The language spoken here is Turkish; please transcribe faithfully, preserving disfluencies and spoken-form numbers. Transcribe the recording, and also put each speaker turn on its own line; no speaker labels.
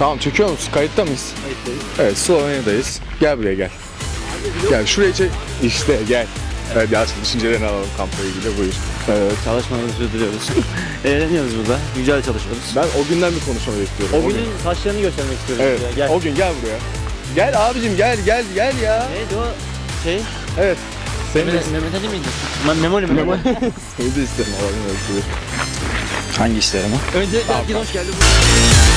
Tamam, çekiyor musun? Kayıtta mıyız?
Kayıttayız.
Evet, Slovenya'dayız. Gel buraya gel. Gel şuraya çek. İşte gel. Evet Yasin, düşüncelerini alalım kampla ilgili, buyur.
Evet, çalışmalarını sürdürüyoruz. Eğleniyoruz burada. Güzel çalışıyoruz.
Ben o günden bir konuşma bekliyorum.
O günün saçlarını göstermek istiyorum.
Evet,
size. Gel.
o gün gel buraya. Gel abicim, gel gel gel ya.
Neydi o şey?
Evet. Seni de,
Mehmet, Mehmet Ali miydi? Ma Memoli mi?
Memoli. Seni de isterim alalım.
Hangi işler ama? Öncelikle herkese hoş geldin.